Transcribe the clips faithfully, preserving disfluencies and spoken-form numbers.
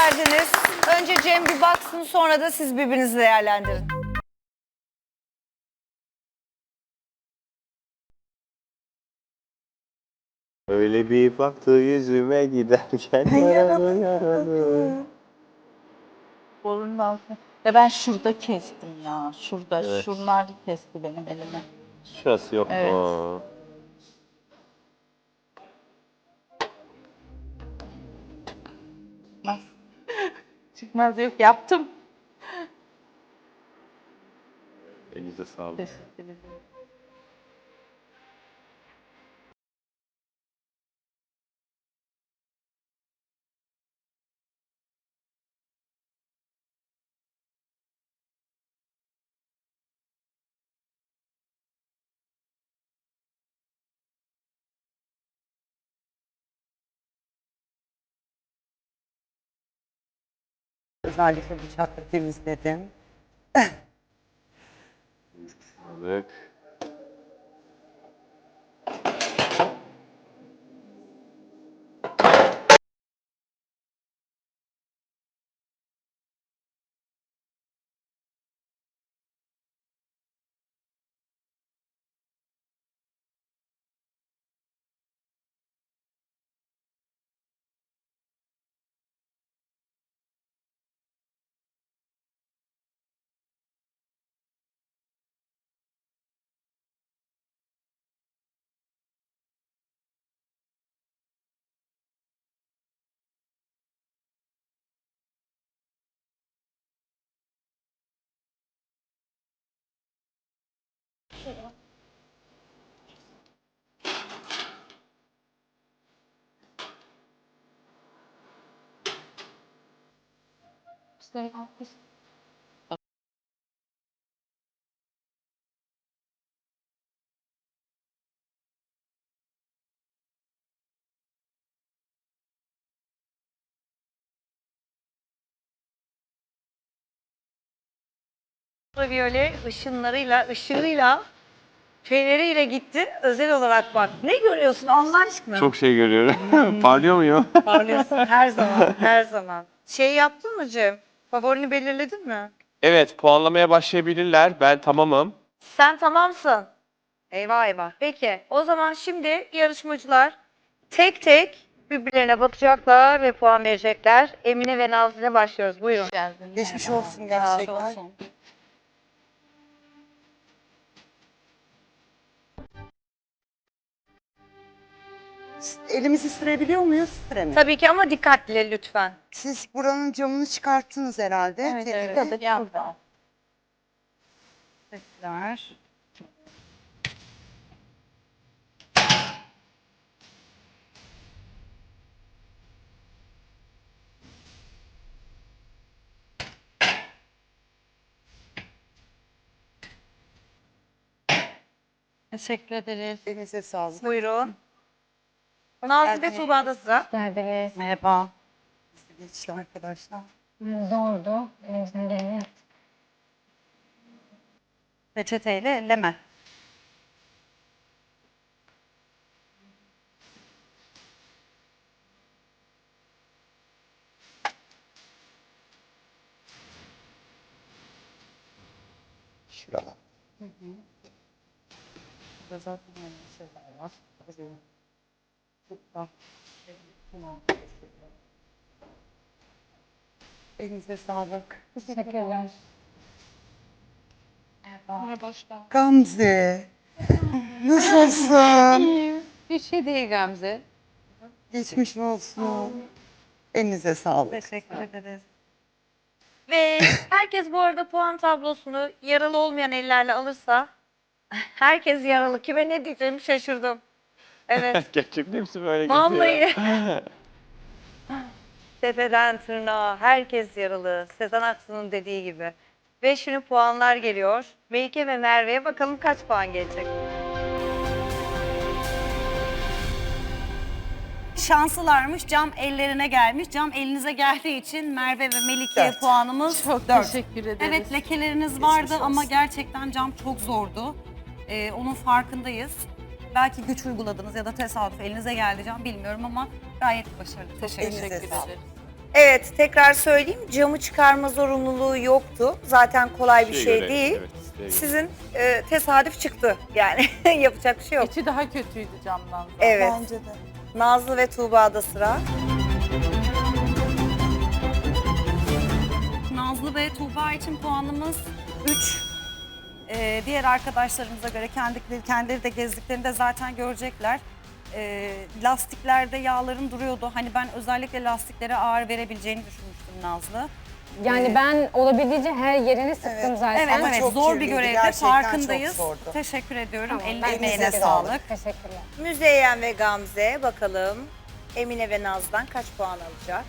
geldiniz. Önce Cem bir baksın, sonra da siz birbirinizi değerlendirin. Öyle bir baktı yüzüme giderken yaralı yaralı. Borunun altına. Ve ben şurada kestim ya. Şurada. Evet. Şunlar kesti benim elimi. Şurası yok. Evet. Oo. Çıkmaz. Çıkmaz yok. Yaptım. Elinize sağlık. Teşekkür ederim. Özellikle bıçakla temizledim. Sağlık. Ultraviyole ışınlarıyla, ışığıyla, şeyleriyle gitti. Özel olarak bak. Ne görüyorsun Allah aşkına? Çok şey görüyorum. Parlıyor muyum? Parlıyorsun her zaman, her zaman. Şey yaptın mı Cem? Favorini belirledin mi? Evet, puanlamaya başlayabilirler. Ben tamamım. Sen tamamsın. Eyvah eyvah. Peki, o zaman şimdi yarışmacılar tek tek birbirlerine bakacaklar ve puan verecekler. Emine ve Nazlı'yla başlıyoruz. Buyurun. Geldin. Geçmiş Merhaba. olsun Geçmiş gerçekten. olsun. Elimizi sürebiliyor muyuz? Süremiyoruz. Tabii ki ama dikkatli lütfen. Siz buranın camını çıkarttınız herhalde. Evet, Tepki. evet. Kadar yaptım. Teşekkürler. Teşekkür ederiz. Elinize sağlık. Buyurun. Nazlı ve Tuğba'da sıra. Geldiniz. Merhaba. Nasıl geçti arkadaşlar? Zordu. Elimizden geleni yaptık. Peçeteyle elleme. Şurada. Burada zaten öyle şeyler var. Burada. Elinize sağlık. Teşekkürler. Gamze. Nasılsın? Bir şey değil Gamze. Geçmiş olsun. Elinize sağlık. Teşekkür ederiz. Ve herkes bu arada puan tablosunu yaralı olmayan ellerle alırsa herkes yaralı. Kime ne diyeceğimi şaşırdım. Evet. Gerçekten hepsi böyle gidiyor. Vallahi. Tepeden tırnağa herkes yaralı. Sezen Aksu'nun dediği gibi. Ve şimdi puanlar geliyor. Melike ve Merve'ye bakalım kaç puan gelecek. Şanslılarmış. Cam ellerine gelmiş. Cam elinize geldiği için Merve ve Melike'ye Dört. puanımız Çok dört. teşekkür ederiz. Evet, lekeleriniz vardı olsun. ama gerçekten cam çok zordu. Ee, onun farkındayız. Belki güç uyguladınız ya da tesadüf elinize geldi cam bilmiyorum ama gayet başarılı. Teşekkür Elinize ederim. sağlık. ederiz. Evet, tekrar söyleyeyim. Camı çıkarma zorunluluğu yoktu. Zaten kolay bir Şeye şey göre, değil. evet, isteğe göre. Sizin e, tesadüf çıktı. Yani yapacak bir şey yok. İçi daha kötüydü camdan. zaten. Evet. Bence de. Nazlı ve Tuğba'da sıra. Nazlı ve Tuğba için puanımız üç. Ee, diğer arkadaşlarımıza göre kendileri, kendileri de gezdiklerinde zaten görecekler. Ee, lastiklerde yağların duruyordu. Hani ben özellikle lastiklere ağır verebileceğini düşünmüştüm Nazlı. Yani Ee, ben olabildiğince her yerini sıktım Evet. zaten. Evet Ama evet çok zor bir kirliydi, görevde gerçekten farkındayız. çok zordu. Teşekkür ediyorum. Tamam, Eline ben emeğine Elinize sağlık. sağlık. Teşekkürler. Müzeyyen ve Gamze bakalım Emine ve Naz'dan kaç puan alacak?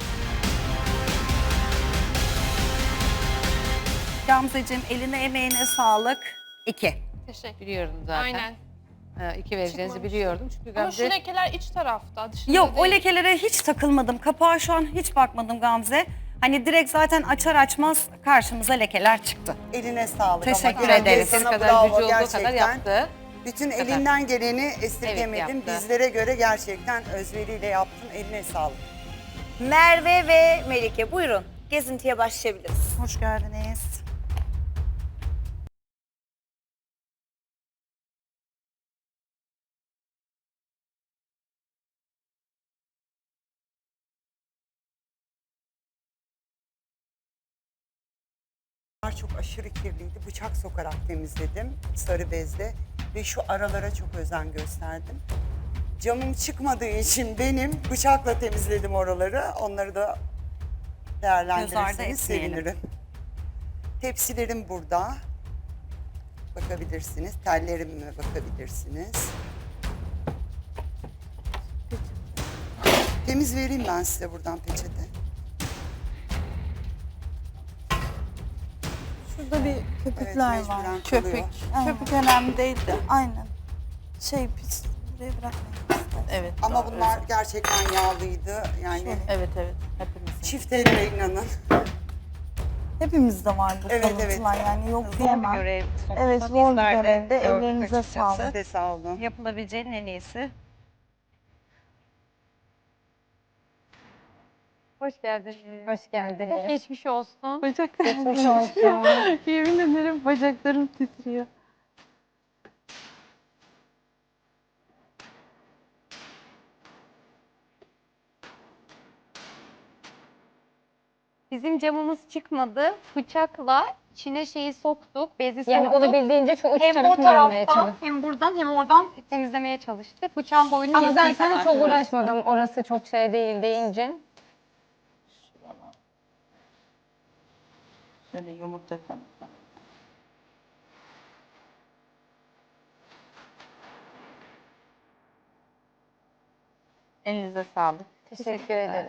Gamzeciğim eline emeğine sağlık. İki. Teşekkür Biliyordum zaten. Aynen. Ee, iki vereceğinizi biliyordum çünkü Ama şu Gamze lekeler iç tarafta. Dışında Yok o değil. lekelere hiç takılmadım. Kapağa şu an hiç bakmadım Gamze. Hani direkt zaten açar açmaz karşımıza lekeler çıktı. Eline sağlık. Teşekkür Ama ederim. Gamze senin sana kadar bravo gücü olduğu gerçekten. kadar yaptı. Bütün Kadar. elinden geleni esirgemedin. Evet, yaptı. Bizlere göre gerçekten özveriyle yaptın. Eline sağlık. Merve ve Melike buyurun. Gezintiye başlayabiliriz. Hoş geldiniz. Çok aşırı kirliydi. Bıçak sokarak temizledim sarı bezle ve şu aralara çok özen gösterdim. Camım çıkmadığı için benim bıçakla temizledim oraları. Onları da Göz ardı değerlendirirseniz etmeyelim. sevinirim. Tepsilerim burada. Bakabilirsiniz. Tellerime bakabilirsiniz. Temiz vereyim ben size buradan peçete. Şurada bir köpükler Evet, var. mecburen Köpük. kalıyor. Köpük önemli değil de aynen. Şey pis buraya bırakmayın. Evet. Ama doğru. bunlar gerçekten yağlıydı. Yani Evet evet hepimiz. çift elle inanın. Hepimizde var bu Evet, kalıntılar yani yok Zor bir diyemem. görev. Evet zor bir görevde ellerinize Siz sağlık. de sağ olun. Yapılabileceğin en iyisi. Hoş geldin. Hoş geldiniz. Geçmiş olsun. Geçmiş olsun. Yemin ederim bacaklarım titriyor. Bizim camımız çıkmadı. Bıçakla içine şeyi soktuk. Bezi Yani soktuk. olabildiğince şu uç Hem o tarafını almaya taraftan çalıştım. hem buradan hem oradan temizlemeye çalıştık. Bıçağın boyunu Ama yettiği zaten kadar. çok uğraşmadım. Orası çok şey değil deyince. Şöyle yumurta falan. Elinize sağlık. Teşekkür ederim.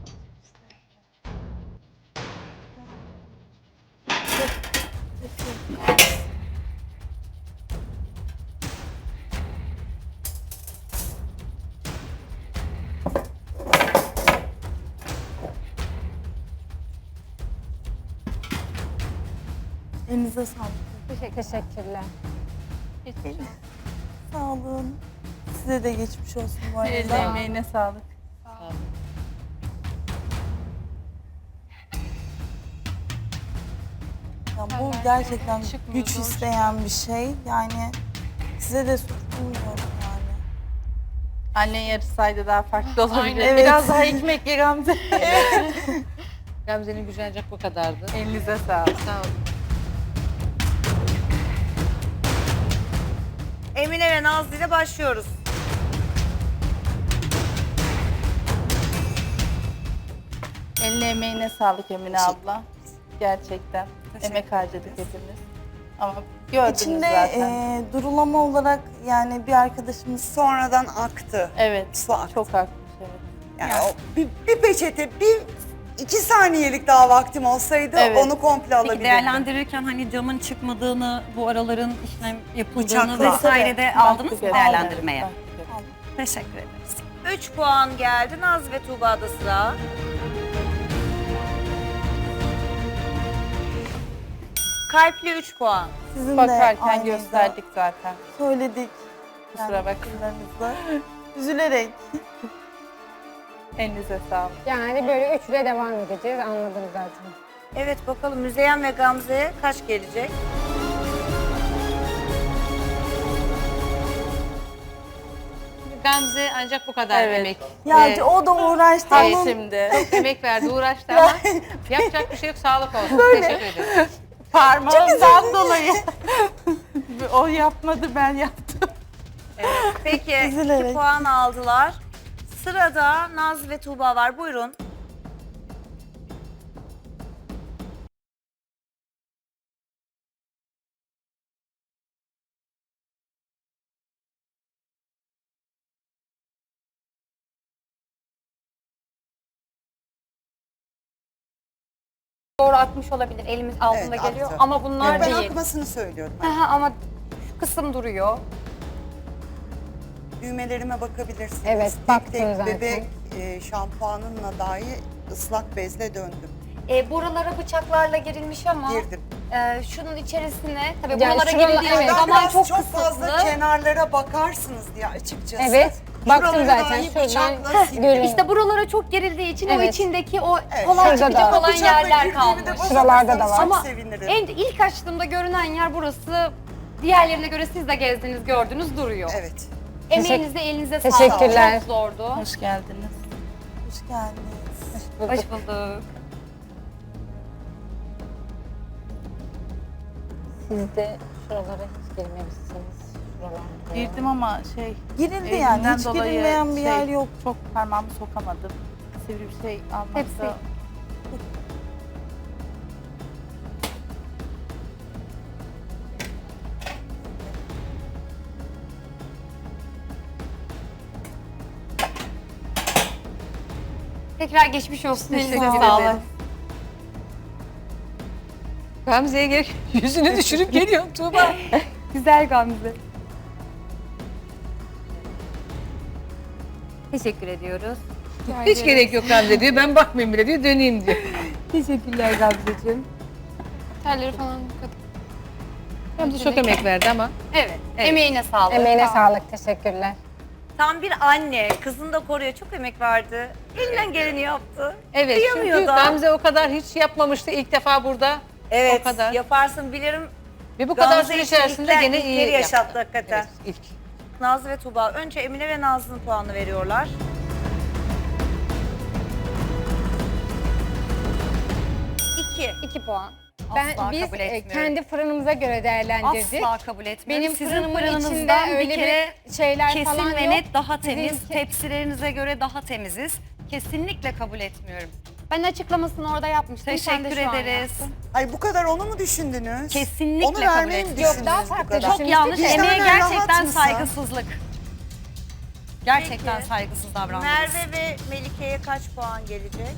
Elinize sağlık. Teşekkürler. Sağ olun. Size de geçmiş olsun bu Eline arada. emeğine sağlık. Ya bu gerçekten çıkmıyordu. güç isteyen bir şey. Yani size de suç bulmuyorum yani. Annen yarışsaydı daha farklı olabilir. Aynen. Evet. Biraz daha ekmek ye Gamze. Gamze'nin gücü ancak bu kadardı. Elinize sağlık. Sağ olun. Emine ve Nazlı ile başlıyoruz. Eline emeğine sağlık Emine abla. Gerçekten. Emek harcadık hepimiz. Ama gördünüz İçinde zaten. e, durulama olarak yani bir arkadaşımız Sonradan aktı. Evet. Su aktı. Çok haklısın. Evet. Yani o bir, bir peçete, bir iki saniyelik daha vaktim olsaydı Evet. onu komple Peki alabilirdim. değerlendirirken hani camın çıkmadığını, bu araların işlem yapıldığını Bıçakla. vesaire de aldınız mı Baktık, değerlendirmeye? evet, baktık. Teşekkür ederiz. üç puan geldi. Nazlı ve Tuğba'da sıra. Kalpli üç puan. sizin de Bakarken aynıydı. gösterdik zaten. Söyledik. Kusura bakmayın. bakımlarınızla. Üzülerek. Elinize sağlık. Yani böyle üçle devam edeceğiz. Anladım zaten. Evet bakalım Müzeyyen ve Gamze'ye kaç gelecek? Gamze ancak bu kadar Evet. emek. Ya Ee, o da uğraştı. Ay Onun şimdi. çok emek verdi, uğraştı ama yapacak bir şey yok. Sağlık olsun. Teşekkür ederim. Parmağımdan dolayı. O yapmadı, ben yaptım. Peki Üzülerek. iki puan aldılar. Sırada Naz ve Tuğba var. Buyurun. Doğru akmış olabilir. Elimiz altında Evet, geliyor. aktı. Ama bunlar ben değil. akmasını söylüyorum. Aha, ama şu kısım duruyor. Düğmelerime bakabilirsiniz. Evet, Tek baktım tek zaten. bebek e, şampuanınla dahi ıslak bezle döndüm. E, buralara bıçaklarla girilmiş ama Girdim. e, şunun içerisine tabii Yani buralara şuralar- girildiği evet. Ben zaman biraz çok, çok kısıtlı. fazla kenarlara bakarsınız diye açıkçası. Evet, baktım Şuraları zaten. dahi Şuradan bıçakla sildim. görün. İşte buralara çok gerildiği için o Evet. içindeki o Evet. kolay Şurada çıkacak da. olan Bıçakla yerler girdiğimi de kalmış. bana Şuralarda da baksanız var. çok Ama sevinirim. en ilk açtığımda görünen yer burası. Diğerlerine göre siz de gezdiniz, gördünüz duruyor. Evet. Emeğinize, elinize sağlık. Teşekkürler. Çok zordu. Hoş geldiniz. hoş geldiniz. Hoş bulduk. Siz de şuralara hiç girmemişsiniz. Şuralarda. Girdim ama şey... Girildi elimden yani. Hiç dolayı girilmeyen bir şey, yer yok. Çok parmağımı sokamadım. Sivri bir şey almakta... Hepsi. Tekrar geçmiş olsun. Elinize Teşekkür sağlık. ederim. Gamze'ye gel. Yüzünü düşürüp geliyor Tuğba. Güzel Gamze. Teşekkür ediyoruz. Hiç gerek yok Gamze diyor. Ben bakmayayım bile diyor. Döneyim diyor. Teşekkürler Gamze'ciğim. Terleri falan Gamze çok emek verdi ama. Evet. Evet. Emeğine sağlık. Emeğine sağlık. Teşekkürler. Tam bir anne. Kızını da koruyor. Çok emek verdi. Elinden geleni yaptı. Evet, Kıyamıyor çünkü da. Gamze o kadar hiç yapmamıştı ilk defa burada. Evet. O kadar. Yaparsın bilirim. Ve bu kadar Gamze süre için içerisinde ilkler- gene iyi ilkleri yaşattı yaptı. hakikaten. Evet, ilk. Nazlı ve Tuğba. Önce Emine ve Nazlı'nın puanını veriyorlar. İki. İki puan. Ben, Asla biz kabul e, etmiyorum. kendi fırınımıza göre değerlendirdik. Asla kabul etmiyorum. Benim Sizin fırınımın fırınınızdan içinde öyle bir kere bir şeyler kesin falan ve yok. net daha temiz. Sizinki- Tepsilerinize göre daha temiziz. Kesinlikle kabul etmiyorum. Ben açıklamasını orada yapmıştım. Sen de Teşekkür şu an ederiz. yaptın. Ay bu kadar onu mu düşündünüz? Kesinlikle Onu kabul vermeyi mi etmiyorum. düşündünüz Yok, daha bu farklı kadar? düşünmüştük. Çok yanlış. Vicdanen Emeğe rahat gerçekten mısın? saygısızlık. Gerçekten Peki. saygısız davrandınız. Merve ve Melike'ye kaç puan gelecek?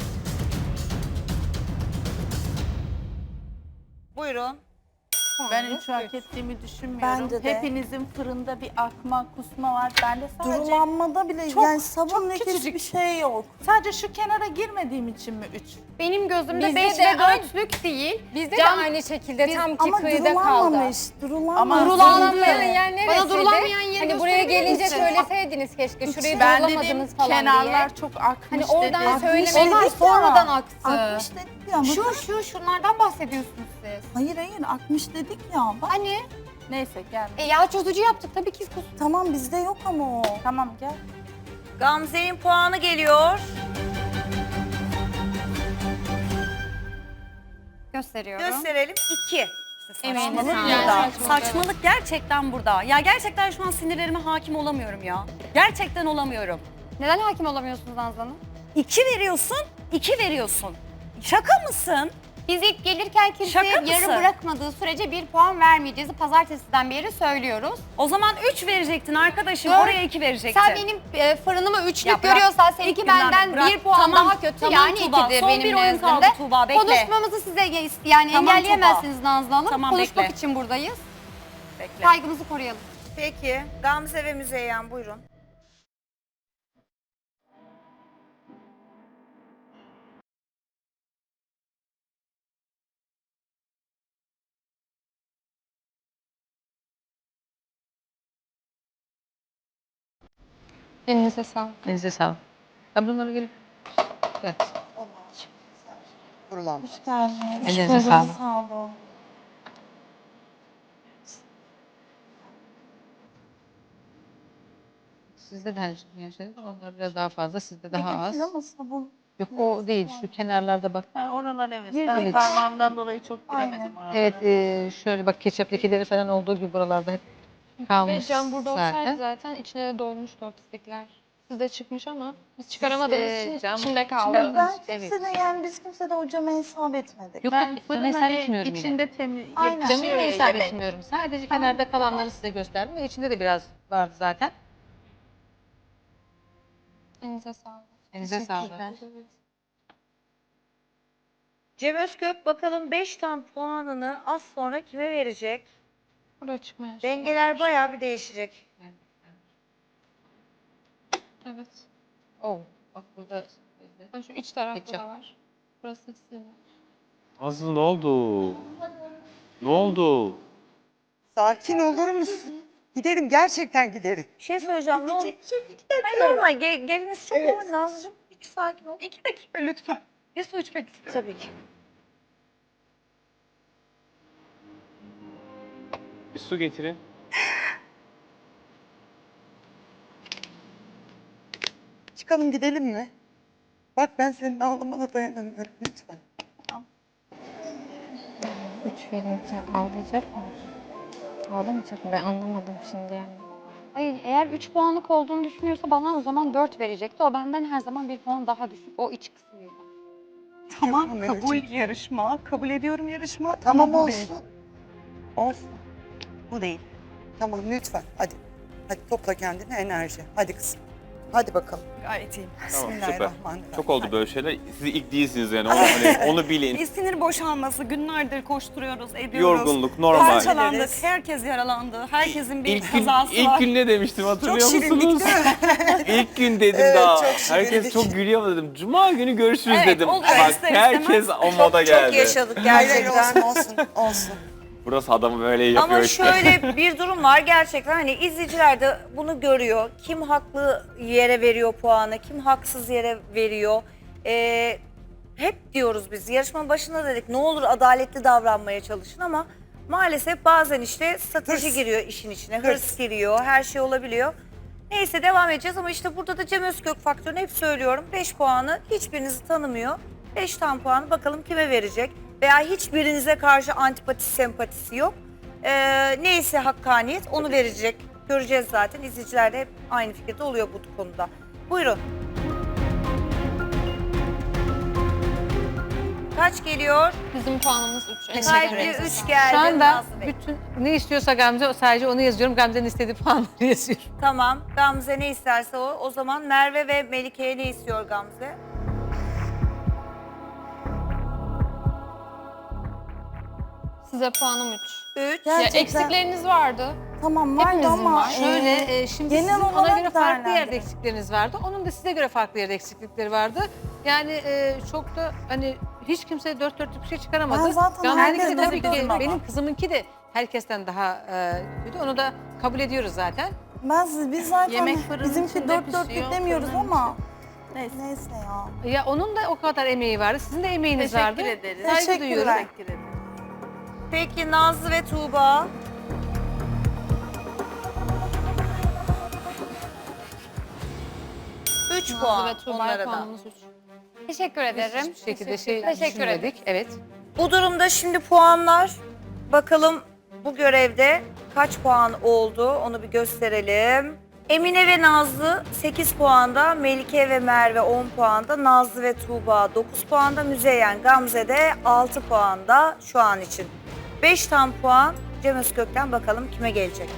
Buyurun. Ben üç hak ettiğimi düşünmüyorum. Bence de. Hepinizin fırında bir akma, kusma var. Bende sadece Durulanmada bile çok- yani sabun çok lekesi küçücük. bir şey yok. sadece şu kenara girmediğim için mi üç? Benim gözümde Bizde beş de ve aynı- dörtlük değil. Bizde Cam- de aynı şekilde Biz- tam ki Ama kıyıda kaldı. durulanmamış. Durulanmamış. Ama Durulanmayan yer neresiydi? Bana durulamayan yeri Hani buraya gösterebilir gelince misin? söyleseydiniz keşke. Şurayı Ben durulamadınız dedim falan kenarlar diye. çok akmış Hani oradan dedim. söylemeyin. Onlar dedik ya. sonradan aktı. Akmış dedik ya. Şu Bakın. şu şunlardan bahsediyorsunuz siz. Hayır hayır akmış dedik ya. Bak. Hani Neyse gel. e, yağ çözücü yaptık tabii ki kus. Tamam bizde yok ama o. Tamam gel. Gamze'nin puanı geliyor. Gösteriyorum. Gösterelim. İki. Emeğine Saçmalık sağlık. burada. Yani saçmalık. Saçmalık gerçekten burada. Ya gerçekten şu an sinirlerime hakim olamıyorum ya. Gerçekten olamıyorum. Neden hakim olamıyorsunuz Nazlı Hanım? İki veriyorsun, iki veriyorsun. Şaka mısın? Biz ilk gelirken kimseye Şaka mısın? yarı bırakmadığı sürece bir puan vermeyeceğiz. Pazartesiden beri söylüyoruz. O zaman üç verecektin arkadaşım. Dört. Oraya iki verecektin. Sen benim e, fırınımı üçlük Ya bırak. görüyorsan İlk seninki günden benden bırak. bir puan Tamam, daha kötü. tamam yani Tuğba. ikidir Son benim bir oyun kaldı nezdimde. Tuğba, bekle. Konuşmamızı size yani Tamam engelleyemezsiniz Nazlı Hanım. Tamam, Konuşmak bekle. için buradayız. Bekle. Saygımızı koruyalım. Peki. Gamze ve Müzeyyen buyurun. Elinize sağlık. Elinize sağlık. Ben bunları gelip Evet. Kurulan. Hoş geldiniz. Ellerinize sağlık. Sağ olun. Sizde de her şeyi yaşadık. Onlar biraz daha fazla, sizde daha az. Ama sabun. Yok o değil, şu kenarlarda bak. Ha, oralar evet. Evet. Ben parmağımdan dolayı çok giremedim oralara. Evet, e, şöyle bak ketçap lekeleri falan olduğu gibi buralarda hep kalmış Ve cam burada olsaydı zaten. zaten içine de dolmuştu o pislikler. Sizde çıkmış ama biz çıkaramadığımız Ee, için cam- içinde kaldı. Ben Evet. kimse de yani biz kimse de hocama hesap etmedik. Yok Ben yok, fırın ben hani etmiyorum yine. içinde temiz. Aynen. Camı Şöyle hesap yemek. etmiyorum. Sadece kenarda kalanları size gösterdim ve içinde de biraz vardı zaten. Elinize sağlık. Elinize sağlık. Cem Özkök bakalım beş tam puanını az sonra kime verecek? Buraya çıkmaya. Dengeler bayağı bir değişecek. Evet. Oh, bak burada. Ben şu iç tarafta Ketçap. da var. Burası sizin. Nazlı ne oldu? Ne oldu? Sakin olur musun? Giderim, gerçekten giderim. Bir şey söyleyeceğim ne oldu? Hayır normal ge- geliniz çok normal Nazlı'cığım. İki sakin ol. İki dakika lütfen. Bir su içmek istiyorum. Tabii ki. Bir su getirin. Çıkalım gidelim mi? Bak ben senin ağlamana dayanamıyorum lütfen. Üç verince ağlayacak mı? Ağlamayacak mı? Ben anlamadım şimdi yani. Hayır eğer üç puanlık olduğunu düşünüyorsa bana o zaman dört verecekti. O benden her zaman bir puan daha düşük. O iç kısmıydı. Tamam, kabul yarışma. Kabul ediyorum yarışma. Tamam bu olsun. değil. Olsun. Bu değil. Tamam lütfen hadi. Hadi topla kendine enerji. Hadi kızım. Hadi bakalım. Gayet iyiyim. Tamam, süper. Bismillahirrahmanirrahim. Çok oldu böyle şeyler. Siz ilk değilsiniz yani. Onu, hani, onu bilin. Bir sinir boşalması, günlerdir koşturuyoruz, ediyoruz. Yorgunluk normal. Parçalandık, Ederiz. herkes yaralandı. Herkesin bir İlk gün, kazası ilk var. gün ne demiştim hatırlıyor Çok şirinlik musunuz? değil mi? İlk gün dedim Evet, daha. çok şirinlik. Herkes çok gülüyor ama dedim. Cuma günü görüşürüz Evet, dedim. oluyor, Bak ister herkes istemez. o moda geldi. Çok yaşadık Hayır hayır gerçekten. olsun olsun olsun. Burası adamı böyle yapıyor Ama işte. şöyle bir durum var gerçekten hani izleyiciler de bunu görüyor. Kim haklı yere veriyor puanı, kim haksız yere veriyor. Ee, hep diyoruz biz yarışmanın başında dedik ne olur adaletli davranmaya çalışın ama maalesef bazen işte strateji Hırs. giriyor işin içine, hırs, Hırs. giriyor, her şey olabiliyor. Neyse devam edeceğiz ama işte burada da Cem Özkök faktörünü hep söylüyorum. beş puanı hiçbirinizi tanımıyor. beş tam puanı bakalım kime verecek? Veya hiçbirinize karşı antipatisi, sempatisi yok. Ee, neyse hakkaniyet onu verecek. Göreceğiz zaten. İzleyiciler de hep aynı fikirde oluyor bu konuda. Buyurun. Kaç geliyor? Bizim puanımız üç. Kalpli üç geldi. Şu anda Nazlı Bey. bütün ne istiyorsa Gamze sadece onu yazıyorum. Gamze'nin istediği puanları yazıyorum. Tamam. Gamze ne isterse o. O zaman Merve ve Melike'ye ne istiyor Gamze? Size puanım üç. üç. Ya Gerçekten. eksikleriniz vardı. Tamam vardı Hepimizin ama var. Şöyle e, e, şimdi genel sizin ona olarak göre farklı yerde değerlendirin. eksikleriniz vardı. Onun da size göre farklı yerde eksiklikleri vardı. Yani e, çok da hani hiç kimse dört dörtlük bir şey çıkaramadı. Ben zaten Gamze'ninki de herkesten tabii ki biliyorum ama. benim kızımınki de herkesten daha e, kötü. Onu da kabul ediyoruz zaten. ben siz, biz zaten Yemek fırının bizimki içinde dört pişiyor, dörtlük demiyoruz fırının ama Neyse. neyse ya. Ya onun da o kadar emeği vardı. Sizin de emeğiniz vardı. Teşekkür ederiz. Saygı Teşekkürler. duyuyorum. Teşekkür ederim. Peki Nazlı ve Tuğba. Üç Nazlı puan ve Tuğba'ya onlara da. puanımız üç. Teşekkür ederim. Hiçbir şekilde şey Teşekkür ederim. düşünmedik. Evet. Bu durumda şimdi puanlar. Bakalım bu görevde kaç puan oldu onu bir gösterelim. Emine ve Nazlı sekiz puanda, Melike ve Merve on puanda, Nazlı ve Tuğba dokuz puanda, Müzeyyen Gamze de altı puanda şu an için. beş tam puan Cem Özkök'ten bakalım kime gelecek?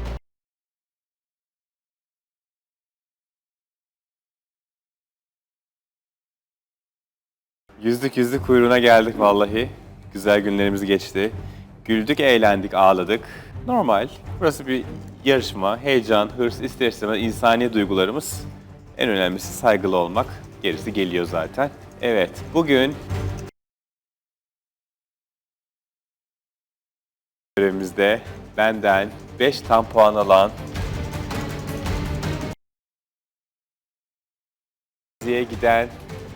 Yüzdük yüzdük kuyruğuna geldik vallahi. Güzel günlerimiz geçti. Güldük, eğlendik, ağladık. Normal. Burası bir yarışma. Heyecan, hırs, ister istemez insani duygularımız. En önemlisi saygılı olmak. Gerisi geliyor zaten. Evet, bugün görevimizde benden beş tam puan alan diye giden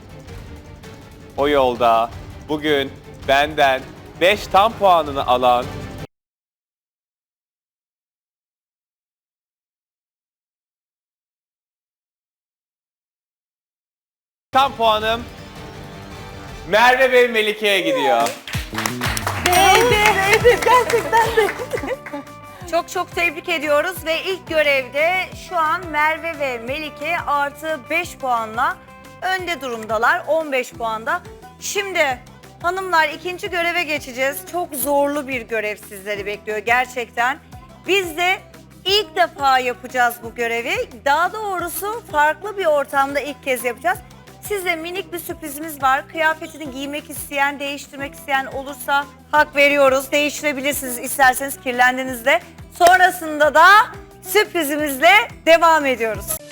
O yolda bugün benden beş tam puanını alan tam puanım Merve ve Melike'ye gidiyor. Çok çok tebrik ediyoruz ve ilk görevde şu an Merve ve Melike artı beş puanla önde durumdalar. on beş puanda. Şimdi hanımlar ikinci göreve geçeceğiz. Çok zorlu bir görev sizleri bekliyor gerçekten. Biz de ilk defa yapacağız bu görevi. Daha doğrusu farklı bir ortamda ilk kez yapacağız. Size minik bir sürprizimiz var. Kıyafetini giymek isteyen, değiştirmek isteyen olursa hak veriyoruz. Değiştirebilirsiniz isterseniz kirlendiğinizde. Sonrasında da sürprizimizle devam ediyoruz.